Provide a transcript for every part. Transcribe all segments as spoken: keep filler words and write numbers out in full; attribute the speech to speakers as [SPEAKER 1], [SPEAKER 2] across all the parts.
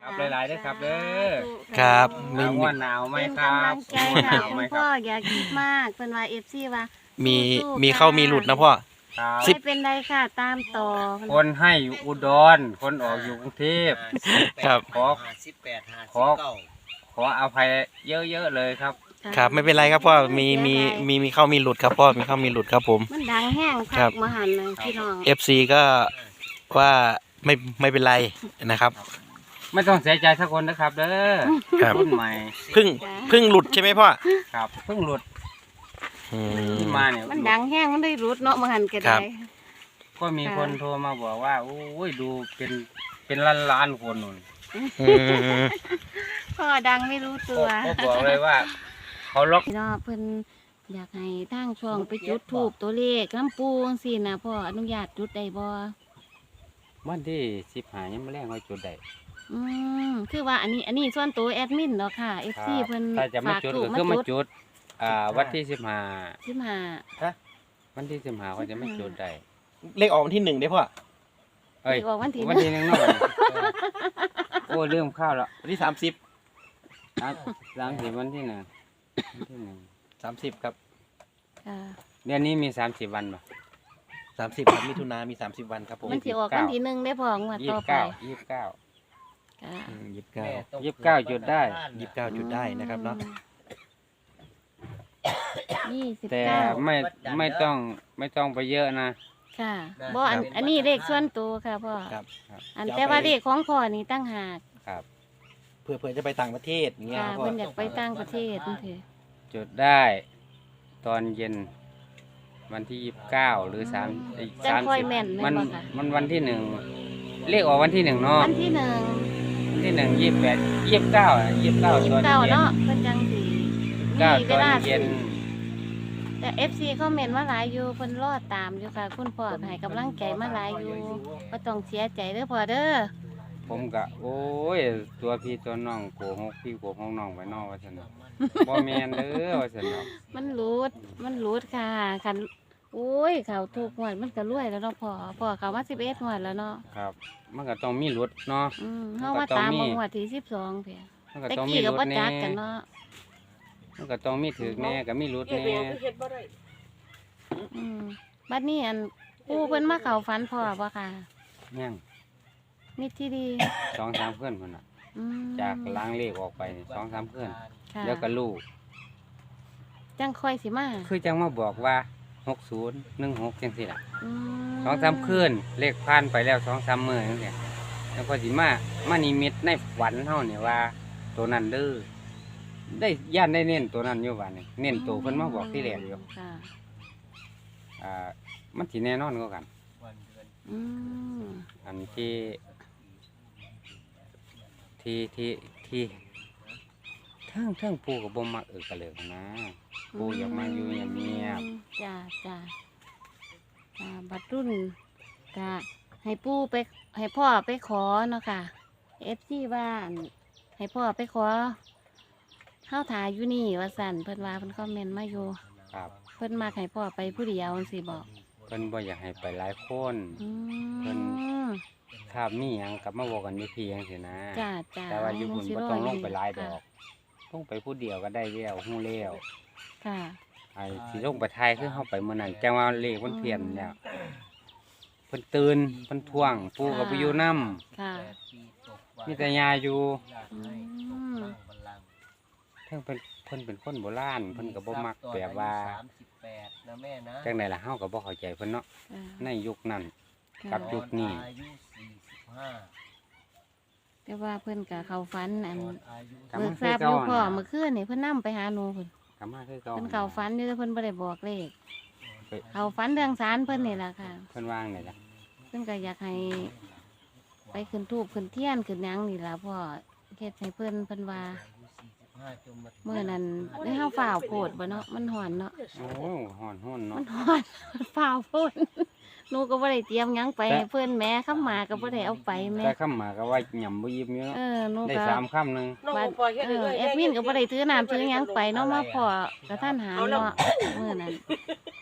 [SPEAKER 1] ครับหลายๆด้วยครับเด้อ
[SPEAKER 2] ครับ
[SPEAKER 1] หนาวว่าหนาวไหม
[SPEAKER 3] เป็น
[SPEAKER 1] ครับ
[SPEAKER 3] กำลังใจ
[SPEAKER 1] ห
[SPEAKER 3] ค่ะ
[SPEAKER 1] นาวไหม
[SPEAKER 3] คุณ
[SPEAKER 1] ค
[SPEAKER 3] พ่อ
[SPEAKER 1] รับ
[SPEAKER 3] อย่าคิดมากเป็นว่าเอฟซีว่า
[SPEAKER 2] มี
[SPEAKER 3] สู้ๆ
[SPEAKER 2] มี
[SPEAKER 3] ค่ะ
[SPEAKER 2] เข้ามีหลุดนะพ่อ
[SPEAKER 1] ครับ
[SPEAKER 3] ไม่เป็นไรค่ะตามต่อ
[SPEAKER 1] คนให้อยู่อุดร คนออกอยู่กรุงเทพ
[SPEAKER 2] ครับ
[SPEAKER 1] ขอ
[SPEAKER 4] ห้าสิบแปดห้า
[SPEAKER 1] ข
[SPEAKER 4] สิ
[SPEAKER 1] อ
[SPEAKER 4] บเก้า
[SPEAKER 1] ขออภัยเยอะๆเลยครับ
[SPEAKER 2] ครับไม่เป็นไรครับพ่อมีมีมีมีเข้ามีหลุดครับพ่อมีเข้ามีหลุดครับผม
[SPEAKER 3] มันดังแห้ง
[SPEAKER 2] ครั
[SPEAKER 3] คั
[SPEAKER 2] บ
[SPEAKER 3] กมาหันเลยพี่น้อง
[SPEAKER 2] เอฟซีก็ว่าไม่ไม่เป็นไรนะครับ
[SPEAKER 1] ไม่ต้องเสียใจสักคนนะครับเด้อ
[SPEAKER 2] ครับ
[SPEAKER 1] รุ่นใหม่
[SPEAKER 2] เพึ่งเพึ่งหลุดใช่ไหมพ่อ
[SPEAKER 1] ครับเพิ่งหลุด
[SPEAKER 2] อืม
[SPEAKER 1] ที่มาเนี่ย
[SPEAKER 3] มันดังแห้งมันได้รุดเนาะมาหันกัน
[SPEAKER 2] ครั
[SPEAKER 3] ได้
[SPEAKER 2] บ
[SPEAKER 1] ก็มีคนโทรมาบอกว่าโอ้ยดูเป็นเป็นล้านล้านๆคนนู่น
[SPEAKER 2] อืม
[SPEAKER 3] พ่อดังไม่รู้ตัว
[SPEAKER 1] ก็บอกเลยว่า เขาล็อก
[SPEAKER 3] พี่น้องเพิ่นอยากให้ทางช่องไปจุดทูบตัวเลขน้ำปูจังซี่นะพ่ออนุญาตจุดได้บ่
[SPEAKER 1] วันที่สิบหายังไม่แรงไว้จุดใด
[SPEAKER 3] อืมคือว่าอันนี้อันนี้ส่วนตัวแอดมินเนาะค่ะ เอฟ ซี เพิ่น
[SPEAKER 1] ถ้าจะมา
[SPEAKER 3] ฝาก
[SPEAKER 1] จุด
[SPEAKER 3] ถู
[SPEAKER 1] ก็
[SPEAKER 3] ก
[SPEAKER 1] คือ
[SPEAKER 3] มา
[SPEAKER 1] มา
[SPEAKER 3] จุด
[SPEAKER 1] จุด อ่าวันที่สิบหา
[SPEAKER 3] สิบห้า
[SPEAKER 1] วันที่สิบหาเขาจะไม่จุดใด
[SPEAKER 2] เลขออกวันที่หนึ่งได้พ่อ
[SPEAKER 1] เอ้ย
[SPEAKER 3] ออกวันที่
[SPEAKER 1] วันที่หนึ่งเนาะโอ้เรื่องข้าวแล้ว
[SPEAKER 2] วันที่สามสิบ
[SPEAKER 1] หลังหลังถึงวันที่หนึ่งวันที่หนึ่ง
[SPEAKER 2] สามสิบครับ
[SPEAKER 3] ค่ะ
[SPEAKER 1] เดือนนี้มีสามสิบวันป่ะ
[SPEAKER 2] สามสิบครับมิถุนามีสามสิบวันครับผม
[SPEAKER 3] มันสิออกวันที่หนึ่งได้พองวด
[SPEAKER 1] ยี่
[SPEAKER 3] ต่อ
[SPEAKER 1] สิบ
[SPEAKER 3] ไป
[SPEAKER 1] เก้ายี่สิบเก้า
[SPEAKER 3] ค่ะ
[SPEAKER 2] ยี่สิบเก้า
[SPEAKER 1] ยี่สิบเก้าจุดได้
[SPEAKER 2] ยี่สิบเก้าจุดได้นะครับเนาะ
[SPEAKER 3] ยี่สิบ
[SPEAKER 1] แต่
[SPEAKER 3] เก้า
[SPEAKER 1] ไม่ไม่ต้องไม่ต้องไปเยอะนะ
[SPEAKER 3] ค่ะบ่อันอันนี้เลขส่วนตัวค่ะพ่อ
[SPEAKER 2] ครับ
[SPEAKER 3] อันแต่ว่าเลขของพ่อนี่ตั้งหาก
[SPEAKER 1] ครับ
[SPEAKER 2] เพื่อเพื่อจะไปต่างประเทศอย่างเงี้ย
[SPEAKER 3] ค่ะ
[SPEAKER 2] ครับพ่อ
[SPEAKER 3] เพิ่นอยากไปต่างประเทศนั่นเถอะ
[SPEAKER 1] จุดได้ตอนเย็นวันที่ยี่สิบเก้าหรือสามอีก
[SPEAKER 3] จัง
[SPEAKER 1] สาม
[SPEAKER 3] ค่อย
[SPEAKER 1] สิบ
[SPEAKER 3] แม่น
[SPEAKER 1] มั
[SPEAKER 3] แม่
[SPEAKER 1] น
[SPEAKER 3] นบ่ค่ะ
[SPEAKER 1] มันวันที่หนึ่งเลขออกวันที่หนึ่งเนาะ
[SPEAKER 3] วันที่หนึ่ง
[SPEAKER 1] วันที่หนึ่งยี่สิบแปดยี่สิบเก้ายี่สิบเก้า
[SPEAKER 3] ยี่
[SPEAKER 1] ต
[SPEAKER 3] สิ
[SPEAKER 1] อน
[SPEAKER 3] บเก้า
[SPEAKER 1] เย็น
[SPEAKER 3] เนาะเพิ่นจังสิ
[SPEAKER 1] เก้า
[SPEAKER 3] มี
[SPEAKER 1] ต
[SPEAKER 3] เว
[SPEAKER 1] อน
[SPEAKER 3] ลา
[SPEAKER 1] เย็น
[SPEAKER 3] แต่ เอฟ ซี คอมเมนต์มาหลายอยู่เพิ่นรอตามอยู่ค่ะ คุณพ่อให้กำลังใจมาหลายอยู่บ่ต้องเสียใจเด้อพ่อเด้อ
[SPEAKER 1] ผมกะโอ้ยตัวพี่ตัวน้องโกหกพี่โกหกน้องไว้นอกว่าซั่นเนาะบ่แม่นเด้อว่าซั่นเนาะ
[SPEAKER 3] มันรูดมันรูดค่ะคันโอ้ยเขาถูกงวดมันก็รวยแล้วเนาะพ่อพ่อเขามาสิบเอ็ดงวดแล้วเนาะ
[SPEAKER 1] ครับ มันก็ต้องมีรถเนาะ
[SPEAKER 3] อืม
[SPEAKER 1] มัน
[SPEAKER 3] เฮา
[SPEAKER 1] ก็
[SPEAKER 3] มา
[SPEAKER 1] ต้อง
[SPEAKER 3] ตาม
[SPEAKER 1] มี
[SPEAKER 3] มางวดที่สิบสองเพีย
[SPEAKER 1] มันก็
[SPEAKER 3] แต่
[SPEAKER 1] ต้องมี
[SPEAKER 3] กี้
[SPEAKER 1] ร
[SPEAKER 3] ก็
[SPEAKER 1] ถ
[SPEAKER 3] บ่
[SPEAKER 1] แน่
[SPEAKER 3] จักกันเนาะ
[SPEAKER 1] มันก็ต้องมีถึกแน่ก็มีรถแน่
[SPEAKER 3] อืมบัดนี้อันปู่เพิ่นมาเข้าฝันพ่อบ่ค่ะ
[SPEAKER 1] ยัง
[SPEAKER 3] มิตรที่ดี
[SPEAKER 1] สองสามเพื่อนพุ่นน่ะ
[SPEAKER 3] อืม
[SPEAKER 1] จากล้างเลขออกไปนี่สองสามเพื่อน
[SPEAKER 3] ค่ะ
[SPEAKER 1] แล้วก็ลูก
[SPEAKER 3] จังค่อยสิมา
[SPEAKER 1] คือจังมาบอกว่าหกศูนย์หนึ่งหกจังสิล่ะ
[SPEAKER 3] อืม
[SPEAKER 1] สองสามคืนเลขผ่านไปแล้วสองสามมื้อจังซี่แล้วก็สิมามานิมิตในฝันเฮานี่ว่า ตัวนั้นเด้อได้ย่านได้เน้นตัวนั้นอยู่ว่านี่เน้นตัวเพิ่นมาบอกที่แรกอยู่
[SPEAKER 3] ค่ะ
[SPEAKER 1] อ่ามันสิแน่นอนกว่ากัน
[SPEAKER 3] อืม
[SPEAKER 1] อันที่ที่ที่ที่เทิงเทิงปูกับบ่มักเออกระเหลิกนะปูอยากมาอยู่เงียบ
[SPEAKER 3] จ้าจ้าอ่าบัดรุ่นก็ให้ปู่ไปให้พ่อไปขอเนาะค่ะเอฟซีว่าอั่นให้พ่อไปขอเฮาถ่ายอยู่นี่ว่าสั่นเพิ่นว่าเพิ่นคอมเมนต์มาอยู่
[SPEAKER 1] ๆครับ
[SPEAKER 3] เพิ่นมาให้พ่อไปผู้เดียวจังซี่บอก
[SPEAKER 1] เพิ่นบ่อยากให้ไปหลายคน
[SPEAKER 3] อื
[SPEAKER 1] เพิ่น
[SPEAKER 3] ม
[SPEAKER 1] ถ้ามีหยังกลับมาบอกกันอยู่พี่จังซี่นะ
[SPEAKER 3] จ้าจ้า
[SPEAKER 1] แต่ว่าอยู่พุ่นบ่ต้องลงไปหลายด
[SPEAKER 3] ค่ะ
[SPEAKER 1] อกลงไปผู้เดียวก็ได้แล้วฮู้แล้ว
[SPEAKER 3] ค่ะ
[SPEAKER 1] ไอ้สิลงไปทายคือเฮาไปมื้อนั้นจังว่าเลขมันเพี้ยนแล้วเพิ่นตื่นเพิ่นท่วงปู่ก็ไปอยู่นำ
[SPEAKER 3] ค่ะ
[SPEAKER 1] มีแต่ยาอยู่
[SPEAKER 3] อืม
[SPEAKER 1] เพิ่นเป็นเพิ่นเป็นคนโบราณเพิ่นก็บ่มักแบบว่า
[SPEAKER 4] สามสิบแปดนะแม่นะ
[SPEAKER 1] จังไดล่ะเฮาก็บ่เข้าใจเพิ่นเนาะ
[SPEAKER 3] ค่ะ
[SPEAKER 1] ในยุคนั้น
[SPEAKER 3] ค่ะ
[SPEAKER 1] กับยุคนี้
[SPEAKER 4] อายุสี่สิบห้า
[SPEAKER 3] แต่ว่าเพิ่นก็เข้าฝันอัน
[SPEAKER 4] อายุ
[SPEAKER 1] กลับ
[SPEAKER 3] เบิ
[SPEAKER 1] มาก
[SPEAKER 3] ทราบอยู่พ่อเมื่อคืนนี่เพิ่นนำไปหาหนูเพิ่น
[SPEAKER 1] กลับมาคือเก่า
[SPEAKER 3] เพิ่นเข้าฝันอยู่แต่เพิ่นบ่ได้บอกเลข
[SPEAKER 1] เพิ่น
[SPEAKER 3] เข้าฝันเรื่องศาลเพิ่นนี่ล่ะค่ะ
[SPEAKER 1] เพิ่นวางนี่ล่ะ
[SPEAKER 3] เพิ่นก็อยากให้ไปขึ้นทูบขึ้นเทียนขึ้นหยังนี่ล่ะพ่อเฮ็ดให้เพิ่นเพิ่นว่า
[SPEAKER 4] ห้าจนมาถึง
[SPEAKER 3] มื้อนั้นได้เฮาฝ่าวโพดบ่เนาะมันฮ้อนเนาะ
[SPEAKER 1] โอ้ฮ้อนฮ้อนเนาะ
[SPEAKER 3] มันฮ้อน ฝ่าวโพดหนูก็บ่ได้เตรียมหยังไปให้เพิ่นแหม่คำหมาก็บ่ได้เอาไปแหม่
[SPEAKER 1] แต่คำมาก็ว่าหย่ำบ่ยิ้มอยู่เนาะ
[SPEAKER 3] เออหนู
[SPEAKER 1] ได้
[SPEAKER 3] ก็
[SPEAKER 1] สามคำหนึง
[SPEAKER 3] บัดเออแอดมินก็บ่ได้ถือน้ำถือหยังไปเนาะมาพ่อกระทันหันเนาะมื้อนั้น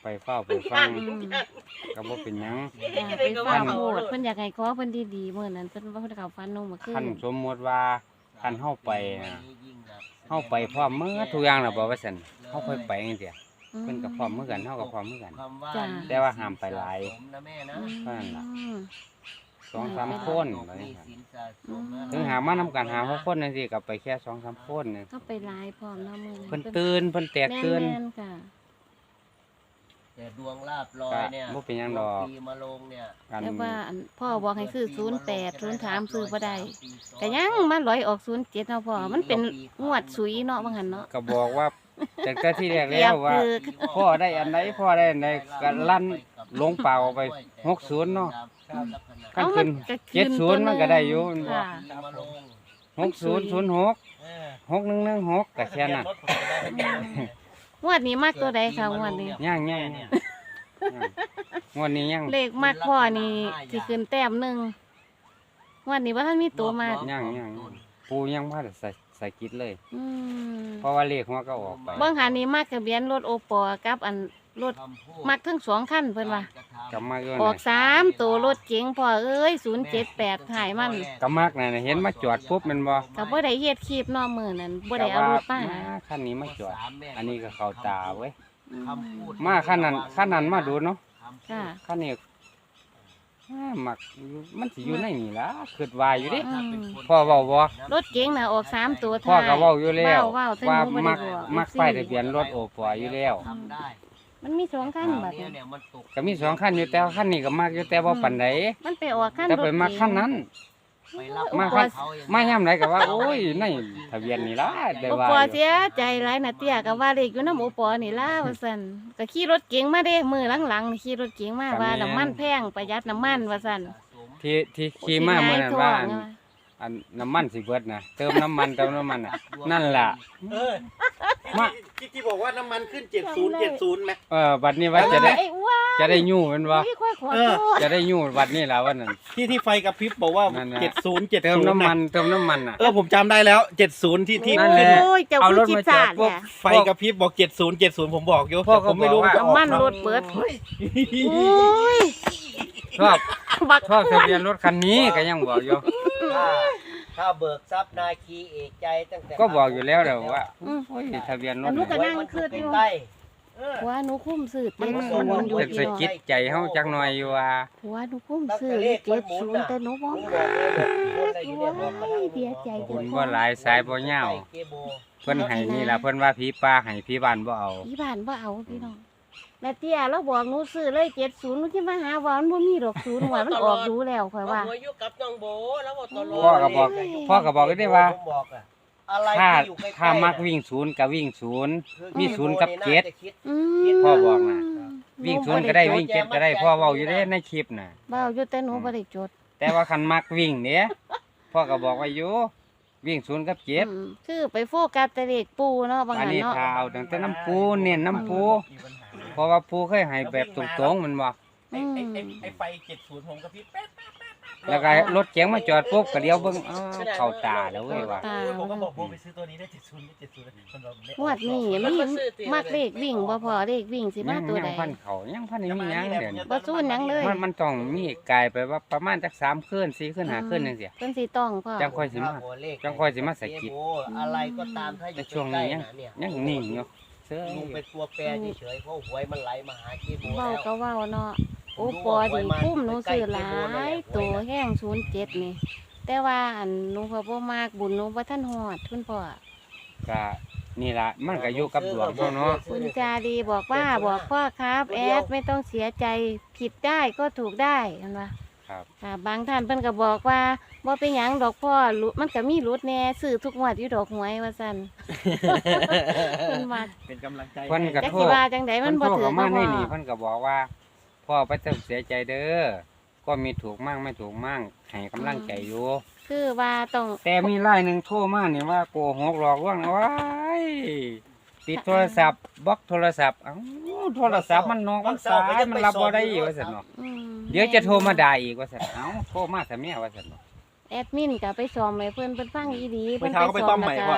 [SPEAKER 1] ไปเฝ้าไปฟัง
[SPEAKER 3] อืม
[SPEAKER 1] ก็บ่เป็นหยัง
[SPEAKER 3] จ้ะไปฟังโพดเพิ่นอยากให้ขอเพิ่นดีๆมื้อนั้นเพิ่นว่าเพิ่นเข้าฝันน้องเมื่อคื
[SPEAKER 1] คัน
[SPEAKER 3] น
[SPEAKER 1] สมมุติว่าคันเฮาไปน่ะเฮาไปพร้อมมื้อทุกอย่างแล้วบ่ว่าซั่นเฮาค่อยไปจังซี่เพิ่นก็พร้อมมื้อกันเฮาก็พร้อมมื้อกัน
[SPEAKER 3] จ้ะ
[SPEAKER 1] แต่ว่าห้ามไปหลาย
[SPEAKER 4] นะแม่นะ
[SPEAKER 1] เท่านั้นล่ะ
[SPEAKER 3] อืม
[SPEAKER 1] สองสามคนว่าจังซั่นถึงหามานํกันหาหกคนจังซี่ก็ไปแค่สองสามคนนึง
[SPEAKER 3] เข้าไปหลายพร้อมเนาะมื้อนั้น
[SPEAKER 1] เพิ่นตื่นเพิ่นแตกตื่น
[SPEAKER 3] แม่นๆค่ะ
[SPEAKER 4] แต่ดวงลาบลอยเนี่ย
[SPEAKER 1] บ่เป็นหยังดอก
[SPEAKER 4] ปีมาลงเนี่ย
[SPEAKER 1] กัน
[SPEAKER 3] แต่ว่าอันพ่อบอกให้ซื้อศูนย์แปด ศูนย์สามซื้อบ่ได้ก็ยังมาลอยออกศูนย์เจ็ดเนาะพ่อมันเป็นงวดสุยเนาะว่างั้นเนาะ
[SPEAKER 1] ก็บอกว่าตั้งแต่ที่แรก
[SPEAKER 3] เปรี
[SPEAKER 1] แล้
[SPEAKER 3] ยว บ
[SPEAKER 1] ว่า
[SPEAKER 3] คือ
[SPEAKER 1] พ่อได้อันไหนพ่อได้อันไหนก็ลั่นลงเปล่าไปหกศูนย์เนาะ ขั้นขึ้น
[SPEAKER 3] ก็
[SPEAKER 1] เจ็ดศูนย์มันก็ได้อยู่มันบ่
[SPEAKER 3] ค่ะ
[SPEAKER 1] หกศูนย์ศูนย์หกหกหนึ่งหนึ่งหกก็แค่นั้น
[SPEAKER 3] งวดนี้มากตัวใดค่ะงวดนี้
[SPEAKER 1] ย่างย่างงวดนี้ย่าง
[SPEAKER 3] เลขมากพ่อนี่สิขึ้นแต้มหนึงงวดนี้ว่าท่านมีตัวมาก
[SPEAKER 1] ย่างย่างปูยังมาใส่ใส่กิดเลย
[SPEAKER 3] อืม
[SPEAKER 1] เพราะว่าเลขหัวก็ออกไป
[SPEAKER 3] เบิ่งหานี่มากทะเบียนรถโอปอกับอันรถมักทั้งสองคันเพิ่นว่า
[SPEAKER 1] กำมากเกิน
[SPEAKER 3] ออกสามตัวรถเก๋งพ่อเอ้ยศูนย์เจ็ดแปดหายมัน
[SPEAKER 1] กำมากน่ะเห็นมาจอดปุ๊บแมันบ่
[SPEAKER 3] ก็บ่ได้เฮ็ดคลิปเนอกมื้อนั้นบ่ได้เอารถมา
[SPEAKER 1] ก็ว่าคันนี้มาจอด อันนี้ก็เข้าตาเว้ย
[SPEAKER 3] อืม
[SPEAKER 1] มาคันนั้นคันนั้นมาดูเนาะ
[SPEAKER 3] ค่ะ
[SPEAKER 1] คันนี้อ่ามักมันสิอยู่ในนี่ล่ะคิดว่าอยู่เดิ
[SPEAKER 3] อืม
[SPEAKER 1] พ่อเว้าบ่
[SPEAKER 3] รถเก๋งน่ะออกสามตัว
[SPEAKER 1] พ่อ
[SPEAKER 3] ท้าย
[SPEAKER 1] ก็เว้าอยู่แล้ว
[SPEAKER 3] เว้าแต่
[SPEAKER 1] ว่า
[SPEAKER 3] หนูบ่ได้
[SPEAKER 1] มัก
[SPEAKER 3] บอก
[SPEAKER 1] มักป้ายทะเบียนรถโอปออยู่แล้ว
[SPEAKER 4] ทำได้
[SPEAKER 3] มันมีสองคันบัด
[SPEAKER 4] เนี่ย
[SPEAKER 3] นี้
[SPEAKER 4] เนี่ยมันตก
[SPEAKER 1] ก็มีสองคันอยู่แต่ว่าคันนี้ก็มักอยู่แต่บ่ปานใด
[SPEAKER 3] มันไปออกคัน
[SPEAKER 1] แต่
[SPEAKER 3] รถ
[SPEAKER 1] ไป
[SPEAKER 3] เก๋ง
[SPEAKER 1] มักคันนั้น
[SPEAKER 4] ไปรับ
[SPEAKER 1] มา
[SPEAKER 3] คัน
[SPEAKER 4] เขาอย่าง
[SPEAKER 1] มายามใดก็ว่า โอ้ยในทะเบียนนี่ล่ะได้
[SPEAKER 3] โอ
[SPEAKER 1] ว่า
[SPEAKER 3] ปอ
[SPEAKER 1] อยู่
[SPEAKER 3] เสียใจหลายนะเตี้ยก็ว่าเลขอยู่นำโอปอนี่ล่ะว่าซั่นก็ขี่รถเก๋งมาเด้มื้อหลังๆนี่ขี่รถเก๋งมาว่าน้ำมันแพงประหยัดน้ำมันว่าซั่น
[SPEAKER 1] ที่ที่ขี่มาเมื่อนั้นว่าอันอันน้ำมันสิเบิดนะเติมน้ำมันเติมน้ำมันน่ะนั่นล่ะ
[SPEAKER 2] เออ
[SPEAKER 1] มา
[SPEAKER 2] ที่ที่บอกว่าน้ำมันขึ้นเจ็ดศูนย์เจ็ดศูนย์ไหม
[SPEAKER 1] เออบัดนี้ว่าจะได้
[SPEAKER 3] ไอ้อ้วน
[SPEAKER 1] จะได้ยู่แมันบ่
[SPEAKER 3] พี่ค่อยขอ
[SPEAKER 2] เอ
[SPEAKER 3] โท
[SPEAKER 2] อ
[SPEAKER 3] ษ
[SPEAKER 1] จะได้ยู่บัดนี้ล่ะว่านั่น
[SPEAKER 2] ที่ที่ไฟกระพริบบอกว่า
[SPEAKER 1] นั่นน่ะ
[SPEAKER 2] เจ็ดศูนย์เจ็ด
[SPEAKER 1] เติม
[SPEAKER 2] ศูนย์
[SPEAKER 1] น้ำมันเติมน้ำมันน่ะ
[SPEAKER 2] เออผมจำได้แล้วเจ็ดศูนย์ที่ที่
[SPEAKER 1] นั่นแหละ
[SPEAKER 3] โอ้ยเจ้า
[SPEAKER 1] เอา
[SPEAKER 3] คือ
[SPEAKER 1] รถ
[SPEAKER 3] จิต
[SPEAKER 1] มาจอ
[SPEAKER 3] ศา
[SPEAKER 1] ด
[SPEAKER 3] สตร์
[SPEAKER 1] ปุ๊บ
[SPEAKER 3] เนี่ย
[SPEAKER 2] ไฟกระพริบบอกเจ็ดศูนย์เจ็ดศูนย์ผมบอกอยู่
[SPEAKER 1] พ่อ
[SPEAKER 2] แต่
[SPEAKER 1] ก็
[SPEAKER 2] ผมไม่รู้
[SPEAKER 1] บอกว่า
[SPEAKER 2] ว่าจะออก
[SPEAKER 3] น้ำมัน
[SPEAKER 2] เนาะ
[SPEAKER 3] รถเปิด โอ้ย
[SPEAKER 1] ชอบ
[SPEAKER 3] บัก
[SPEAKER 1] ชอบทะเบียนรถคันนี้ก็ยังบอกอยู่
[SPEAKER 4] ถ้าถ้าเบิกทรัพย์นาคีเอกใจตั้งแต่
[SPEAKER 1] ก็บอกอยู่แล้วแหละว่าโอ้ยทะเบียนร
[SPEAKER 3] อั
[SPEAKER 1] ถ
[SPEAKER 3] นนู้นก็
[SPEAKER 1] เนี่ย
[SPEAKER 3] นั่งคืดอยู่
[SPEAKER 4] ใกล้เออ
[SPEAKER 3] หัวหนูคุ้มสืด
[SPEAKER 1] มัน
[SPEAKER 3] เจ็ด
[SPEAKER 1] มั
[SPEAKER 3] ศู
[SPEAKER 1] น
[SPEAKER 3] นย์อยู่
[SPEAKER 1] เป็น
[SPEAKER 3] พี่
[SPEAKER 1] สะ
[SPEAKER 3] น้อง
[SPEAKER 1] กิดใจเฮาจักหน่อยอยู่ว่า
[SPEAKER 3] หัวหนูคุ้มสืดเจ็ดศูนย์แต่หนูบอก
[SPEAKER 4] ลุงบอกเลยบอกคนอะไรอยู่เนี่ยบอกมาทาง
[SPEAKER 3] เสียใจ
[SPEAKER 1] บุญบ่หลายสายบ่ยาว
[SPEAKER 4] เกโบ
[SPEAKER 1] เพิ่นให้นี่ล่ะเพิ่นว่าผีป่าให้ผีบ้านบ่เอา
[SPEAKER 3] พี่บ้านบ่เอาพี่น้องแม่เตี้ยเราบอกหนูซื้อเลยเจ็ดศูนย์หนูคิดว่าหาว่ามันบ่มีดอกศูนย์หัวมันออกดูแล้วข่อยว่า
[SPEAKER 4] หัวอยู่กับน้องโบแล้วบอกตลอด
[SPEAKER 1] พ่อก็บอกพ่อก็บอกได้ว่า
[SPEAKER 4] ผมบอกอะอะไร
[SPEAKER 1] ถ้า
[SPEAKER 4] ที่อยู่ใกล้ๆ
[SPEAKER 1] ถ้ามักวิ่งศูนย์ก็วิ่งศูนย์
[SPEAKER 4] คือ
[SPEAKER 1] มีศูนย์กับเจ็ด
[SPEAKER 4] น่าจะคิด
[SPEAKER 3] อืม
[SPEAKER 1] พ่อบอกน่ะ วิ่งศูนย์ก็ได้วิ่งเจ็ดก็ได้พ่อเว้าอยู่เด้ในคลิปน่ะ
[SPEAKER 3] เบาอยู่แต่หนูบ่ได้จด
[SPEAKER 1] แต่ว่าคันมักวิ่งเนี่ยพ่อก็บอกว่าอยู่วิ่งศูนย์กับเจ็ด
[SPEAKER 3] อืมคือไปโฟกัสแต่เลขปูเนาะบาง
[SPEAKER 1] อัน
[SPEAKER 3] หัน
[SPEAKER 1] นี้
[SPEAKER 3] เนาะ
[SPEAKER 1] ถ้าเอาตั้งแต่น้ำปูเน้นน้ำปูเพราะว่าปูเคยให้แบบตรงๆมันบ่
[SPEAKER 2] ไอ้ไอ้ไอ้ไอ้ไฟเจ็ดศูนย์ผมกระพริบแป๊บ
[SPEAKER 1] แล้วก็รถเก๋งมาจอดปุ๊บก็เลี้ยวเบิ่งอ้าวเข้าตาแล้วเว้ยว่า
[SPEAKER 3] ตา
[SPEAKER 2] ผมก็บอกโบไปซื้อตัวนี้ได้เจ็ดศูนย์เจ็ดศูนย์มันบอกไม่
[SPEAKER 3] งวดนี้มีมักเลขวิ่งบ่พอเลขวิ่งสิมา
[SPEAKER 1] ยัง
[SPEAKER 3] ตัว
[SPEAKER 1] ยั
[SPEAKER 3] ใด
[SPEAKER 1] งพันเขายังพันนี่มีหยังเดี๋ยวนี้
[SPEAKER 3] บ่สู้หยังเลย
[SPEAKER 1] มันมันต้องมีกลายไปว่าประมาณจักสามคืนสี่คืนห้าคืนจังซี่
[SPEAKER 3] เพิ่นสิต้องพ่อ
[SPEAKER 1] จังค่อยสิมา
[SPEAKER 4] หัวเลข
[SPEAKER 1] จังค่อยสิมาสะกิด
[SPEAKER 4] เกโบอะไรก็ตามถ้าอ
[SPEAKER 1] แต่
[SPEAKER 4] ยู่
[SPEAKER 1] ช่วง
[SPEAKER 4] ใกล้
[SPEAKER 1] นี้
[SPEAKER 4] ๆ
[SPEAKER 1] ยัง
[SPEAKER 4] นะเนี่ย
[SPEAKER 1] ยังนิ่งอยู่เสื้อ
[SPEAKER 4] ลุงเป็นตัวแปรเฉยๆเพราะหวยมันไหลมาหาเกโบ
[SPEAKER 3] เว้า
[SPEAKER 4] แล้ว
[SPEAKER 3] ก็เว้าเนาะโอ้ปอดีคุ้มหนูซื้อหลายตัวแห้งศูนย์เจ็ดนี่ แต่ว่าอันหนูพอบ่มากบุญหนูบ่ทันฮอดคุณพ่อ
[SPEAKER 1] ก็นี่ล่ะมันก็อยู่กับดวงเฮาเนาะ
[SPEAKER 3] คุณจาดีบอกว่าบอกพ่อครับแอดไม่ต้องเสียใจผิดได้ก็ถูกได้เห็นปะ
[SPEAKER 1] ครับ
[SPEAKER 3] ค่ะบางท่านเพิ่นก็บอกว่าบ่เป็นหยังดอกพ่อหลุดมันก็มีหลุดแน่ซื้อทุกงวดอยู่ดอกหวยว่าซั่น เพิ่นว่า
[SPEAKER 2] เป็นกำลังใจ
[SPEAKER 1] เพิ่นก็
[SPEAKER 3] จัก
[SPEAKER 1] โท
[SPEAKER 3] สิ
[SPEAKER 1] ษ
[SPEAKER 3] ว่าจังไดมันบ่
[SPEAKER 1] เพิ่นโทร
[SPEAKER 3] ถือ
[SPEAKER 1] เข้า
[SPEAKER 3] ก็
[SPEAKER 1] มาใน
[SPEAKER 3] บ่
[SPEAKER 1] นี่เพิ่นก็บอกว่าพ่อบ่ต้องเสียใจเด้อก็มีถูกมั่งไม่ถูกมั่งให้กำลังใจอยู่
[SPEAKER 3] คือว่าต้อง
[SPEAKER 1] แต่มีรายหนึงโทรมานี่ว่าโกหกหลอกลวงเอาไว้ปิดโทรศัพท์บล็อกโทรศัพท์เอ้าโทรศัพท์มันนอกมันสายมันรับบ่ได้อีกว่าซั่นเนาะ
[SPEAKER 3] อืม
[SPEAKER 1] เดี๋ยวจะโทรมาด่าอีกว่าซั่นเอ้าโทรมาซะแม่ว่าซั่นเนาะ
[SPEAKER 3] แอดมินก็ไปซ้อมให้เพิ่นเพิ่นฟังอีดี
[SPEAKER 2] ไปเท้าก็ไปต้อมใหม่
[SPEAKER 3] แล้ว
[SPEAKER 2] ก่อน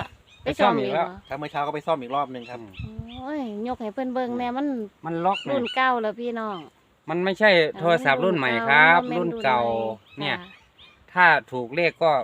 [SPEAKER 3] ไปซ่อมอีกเหรอ
[SPEAKER 2] ครับเมื่อเช้าก็ไปซ่อมอีกรอบหนึ่งครับ
[SPEAKER 3] โอ้ยยกให้เพิ่นเบิ่งแน่มัน
[SPEAKER 1] มันล็อกเนี่
[SPEAKER 3] รุ่
[SPEAKER 1] ย
[SPEAKER 3] นเก่าแล้วพี่น้อง
[SPEAKER 1] มันไม่ใช่โทรศัพท์รุ่นใหม่ครับ รุ่นเก่า
[SPEAKER 3] มั
[SPEAKER 1] เนี่ย
[SPEAKER 3] ค่ะ
[SPEAKER 1] ถ้าถูกเลขก็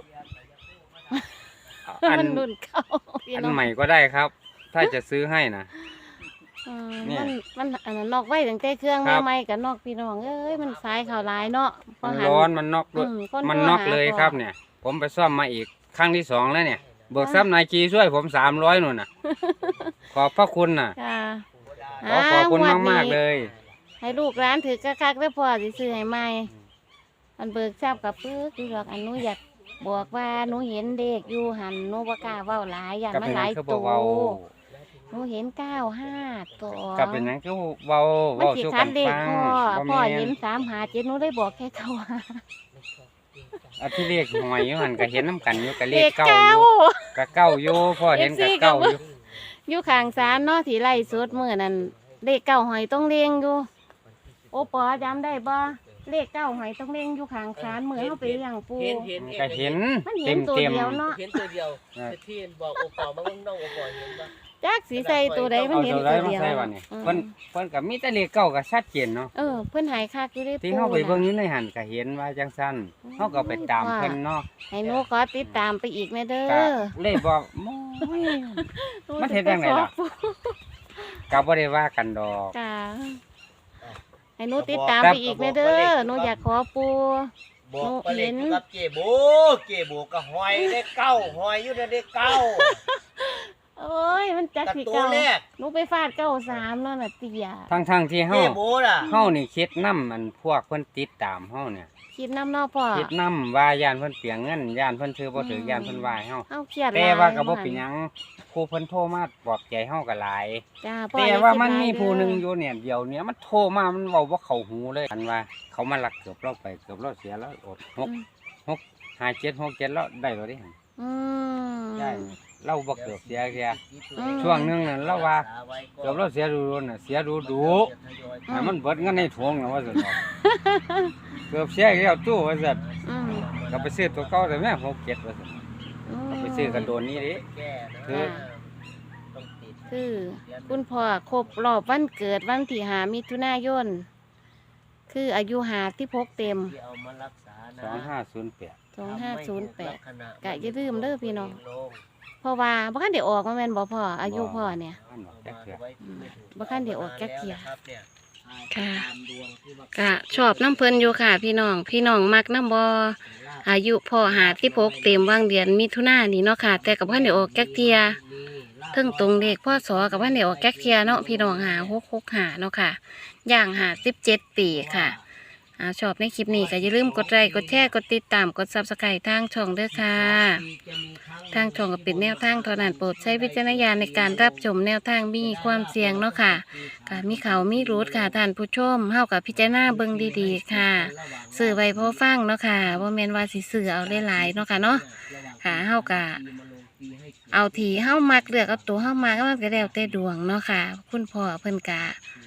[SPEAKER 1] อัน
[SPEAKER 3] มันรุ่นเก่าพี่
[SPEAKER 1] อัน
[SPEAKER 3] น้อง
[SPEAKER 1] ใหม่ก็ได้ครับ ถ้าจะซื้อให้นะ
[SPEAKER 3] เออ
[SPEAKER 1] เนี่ย
[SPEAKER 3] มันมันอันนั้นนอกไว้ตั้งแต่เครื่อง
[SPEAKER 1] ครับ
[SPEAKER 3] ใหม่ๆกับนอกพี่น้องเอ้ยมันสายข่าวหลายเนาะพ
[SPEAKER 1] มัน
[SPEAKER 3] หั
[SPEAKER 1] ร้อนมันน็อกด้วย
[SPEAKER 3] อืค
[SPEAKER 1] มัน
[SPEAKER 3] โทร
[SPEAKER 1] น็อก
[SPEAKER 3] หา
[SPEAKER 1] เลย
[SPEAKER 3] พ่
[SPEAKER 1] ครับ เนี่ย ผมไปซ่อมมาอีกครั้งที่สองแล้วเนี่ยเบิกทรัพย์นายกีช่วยผมสามร้อยหนุนน่ะ ขอบพระคุณน่ะ
[SPEAKER 3] ค่ะ
[SPEAKER 1] ขอขอบคุณ
[SPEAKER 3] งวด
[SPEAKER 1] มาก
[SPEAKER 3] นี้
[SPEAKER 1] ๆเลย
[SPEAKER 3] ให้ลูกร้านถือกระคักได้พอสิซื้อให้ใหม่มันเบิกทราบกับปึ๊กคือดอกอันหนูอยากบอกว่าหนูเห็นเด็กอยู่หันหนูบ่กล้าเว้าหลายอย่าง
[SPEAKER 1] กับ
[SPEAKER 3] มัน
[SPEAKER 1] เป็น
[SPEAKER 3] ห
[SPEAKER 1] หยั
[SPEAKER 3] ลาง ย
[SPEAKER 1] คือ
[SPEAKER 3] ตั
[SPEAKER 1] บ่
[SPEAKER 3] ว
[SPEAKER 1] เว้า
[SPEAKER 3] หนูเห็นเก้าห้าตัว
[SPEAKER 1] กับเป็นหยังคือเว้า
[SPEAKER 3] มัน
[SPEAKER 1] เว้า
[SPEAKER 3] สิ
[SPEAKER 1] สู่
[SPEAKER 3] คั
[SPEAKER 1] กั
[SPEAKER 3] ด
[SPEAKER 1] น
[SPEAKER 3] เด็ก
[SPEAKER 1] ฟัง
[SPEAKER 3] พ่อ
[SPEAKER 1] บ่
[SPEAKER 3] พ่อ
[SPEAKER 1] แม่
[SPEAKER 3] เห็
[SPEAKER 1] น
[SPEAKER 3] นสามหาเจ็ดหนูได้บอกแค่เก้าห้า
[SPEAKER 1] อันที่เลขหอยอยู่หั่นก็เห็นน้ำกันอยู่กับเล
[SPEAKER 3] เด็
[SPEAKER 1] ข
[SPEAKER 3] ก
[SPEAKER 1] เก้าอ
[SPEAKER 3] เก้า
[SPEAKER 1] ยู่กับเก้าอยู่พ่อเห็นกับเก้าอยู่
[SPEAKER 3] อยู่ข้างศาลเนาะที่ไล่สดมื้อนั้นเลขเก้าหอยต้องเลี้ยงอยู่โอปอจำได้บ่เลขเก้าหอยต้องเลี้ยงอยู่ข้างศาลมื้อเฮาไปเลี้ยงปู
[SPEAKER 4] เห็นเห็น
[SPEAKER 1] ก็เห็น
[SPEAKER 3] มันเห็
[SPEAKER 1] เต็
[SPEAKER 3] น
[SPEAKER 1] ม
[SPEAKER 3] ตัว
[SPEAKER 1] เต็ม
[SPEAKER 3] เดียวเนาะ
[SPEAKER 4] เห็นตัวเดียว
[SPEAKER 1] ครับ
[SPEAKER 4] ที่บอกโอปอมาเบิ่งน้องโอปอเห็นปะ
[SPEAKER 3] จักสีใส่ตัวใดมัน
[SPEAKER 1] เอา
[SPEAKER 3] เห็น
[SPEAKER 1] ตัว
[SPEAKER 3] ตั
[SPEAKER 1] ใด
[SPEAKER 3] ว
[SPEAKER 1] มา
[SPEAKER 3] เดียว
[SPEAKER 1] ใส่วันนี้
[SPEAKER 3] อืม
[SPEAKER 1] เพิ่นเพิ่นก็มีแต่เลขเก้าก็ชัดเจนเนาะ
[SPEAKER 3] เออเพิ่นใหายคักอยู่ได้
[SPEAKER 1] ที่
[SPEAKER 3] ปู
[SPEAKER 1] เฮาไปเบิ่งอ
[SPEAKER 3] น่ะ
[SPEAKER 1] ยู่ในหันก็เห็นว่าจังซั่นเฮาก็ไปตาม
[SPEAKER 3] ว่า
[SPEAKER 1] เพิ่นเนาะ
[SPEAKER 3] ให้หนูขอติดตามไปอีกแม่เด้
[SPEAKER 1] ก็
[SPEAKER 3] อ
[SPEAKER 1] เลยบอกโอ้ย มันเฮ็ดจังไดล่ะ ก็บ่ได้ว่ากันดอก
[SPEAKER 3] จ้าให้หนูติดตามไปอีกแม่เด้อหนูอยากขอปู
[SPEAKER 4] บอกไปเลย
[SPEAKER 3] เห็น
[SPEAKER 4] กับเจโบเจโบก็หอยได้เก้าหอยอยู่ในได้เก้า
[SPEAKER 3] โอ้ยมันจัก
[SPEAKER 4] กับ
[SPEAKER 3] สิ
[SPEAKER 4] ตัว
[SPEAKER 3] เก่า
[SPEAKER 4] แรก
[SPEAKER 3] หนูไปฟาดเก้าสามแล้วน่ะเตีย
[SPEAKER 1] ทั้งๆที่
[SPEAKER 4] เจ
[SPEAKER 1] เฮา
[SPEAKER 4] โบน่ะ
[SPEAKER 1] เฮานี่คิดนำมันพวกเพิ่นติดตามเฮาเนี่ย
[SPEAKER 3] คิดน้ำเนอพ่อ
[SPEAKER 1] คิดนำว่าย่านเพิ่นเปียงเงินย่านเพิ่นถือบ่ถือ
[SPEAKER 3] ม
[SPEAKER 1] ย่านเพิ่นว่าให้เฮา
[SPEAKER 3] เฮาเครียด
[SPEAKER 1] แต่
[SPEAKER 3] หลย
[SPEAKER 1] ว่าก็บ่เป็นหยังครูเพิ่นโทรมาปลอบใจเฮาก็หลาย
[SPEAKER 3] จ้าพ่อ
[SPEAKER 1] แต่
[SPEAKER 3] อย่
[SPEAKER 1] ว่า
[SPEAKER 3] คิด
[SPEAKER 1] มัน
[SPEAKER 3] หลย
[SPEAKER 1] มีผู้หนึงอ
[SPEAKER 3] เด้
[SPEAKER 1] ยู่เนี่ยเดียวเนี่ยมันโทรมามันเว้าบ่เข้าหูเลยอันว่า เขามาลักเกือบเราไปเกือบเราเสียแล้วอดหก
[SPEAKER 3] อืม
[SPEAKER 1] หกห้าเจ็ดหกเจ็ดแล้วได้บ่ได้หั่น
[SPEAKER 3] อืม
[SPEAKER 1] ได้เราบ่เกือบเสียแค่
[SPEAKER 3] อืม
[SPEAKER 1] ช่วงหนึงน่ะเราว่าเกือบเราเสียดูๆน่ะเสียดูดูๆให้มันเบิดเงินในถุงน่ะว่าซั่นดอก เกือบเสียแล้วตู้ว่าซั่น
[SPEAKER 3] อืม
[SPEAKER 1] ก็ไปซื้อตัวเก่าแต่แม่หกเจ็ดว่าซั่น
[SPEAKER 3] อืม
[SPEAKER 1] ก็ไปซื้อกันโดนนี้ดิ คือ
[SPEAKER 4] ต้องติด
[SPEAKER 3] คือคุณพ่อครบรอบวันเกิดวันที่หามิถุนายน คืออายุหาที่พกเต็ม
[SPEAKER 4] ที่เอามารักษานะ
[SPEAKER 1] สองห้าศูนย์แปด
[SPEAKER 3] สองห้าศูนย์แปด
[SPEAKER 4] ทำให้
[SPEAKER 3] กะอย่าลืมเด้อพี่น้อง
[SPEAKER 4] ลง
[SPEAKER 3] เพราะว่าบ่คันได้ออกมาแม่นบ่พ่ออายุพ่อเนี่ย
[SPEAKER 1] อันบอกแจ๊กเถื่อ
[SPEAKER 3] อืมบ่คันได้ออกจักเที่ย
[SPEAKER 4] ครับเนี่ย
[SPEAKER 3] ค่ะ
[SPEAKER 4] ตามดวงที่ว่า
[SPEAKER 3] กะชอบน้ำเพิ่นอยู่ค่ะ พี่น้อง พี่น้องมักน้ำบ่อายุพ่อหาที่พกเต็มวางเดือนมิถุนายนนี่เนาะค่ะ แต่กับบ่คันได้ออกจักเที่ยเทึงตรงเลขพ่อสอกับบ่คันได้ออกจักเที่ยเนาะพี่น้องหาหกหกหาเนาะค่ะ ย่างหาสิบเจ็ดปีค่ะอ่าชอบในคลิปนี้ก็อย่าลืมกดไลค์กดแชร์กดติดตามกดซับสไครต์ทางช่องเด้อค่ะ ทางช่องก็เป็นแนวทางเท่านั้นโปรดใช้วิจารณญาณในการรับชมแนวทางมีความเสี่ยงเนาะค่ะค่ะมีเขามีรูดค่ะท่านผู้ชมเฮากับพิจารณาเบิ่งดีๆค่ะซื้อไว้พอฟังเนาะค่ะบ่แม่นว่าสิซื้อเอาหลายๆเนาะค่ะเนาะค่ะเฮากะเอาทีเฮามักเลือกเอาตัวเฮามักมันก็แล้วแต่ดวงเนาะค่ะ คุณพ่อเพิ่นกะ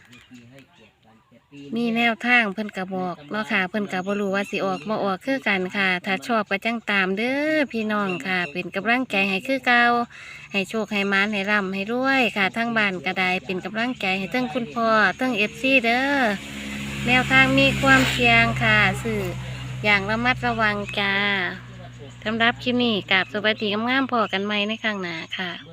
[SPEAKER 3] มีแนวทางเพิ่นกะบอกเนาะค่ะเพิ่นกะบ่รู้ว่าสิออกบ่ออกคือกันค่ะ ถ้าชอบก็จังตามเด้อพี่น้องค่ะ เป็นกำลังใจให้คือเก่าให้โชคให้มานให้ร่ำให้รวยค่ะทั้งบ้านก็ได้เป็นกำลังใจให้ทั้งคุณพ่อทั้ง เอฟ ซี เด้อแนวทางมีความเสี่ยงค่ะสื่ออย่างระมัดระวังจ้าสำหรับคลิปนี้กราบสวัสดีงามๆพอกันใหม่ในครั้งหน้าค่ะ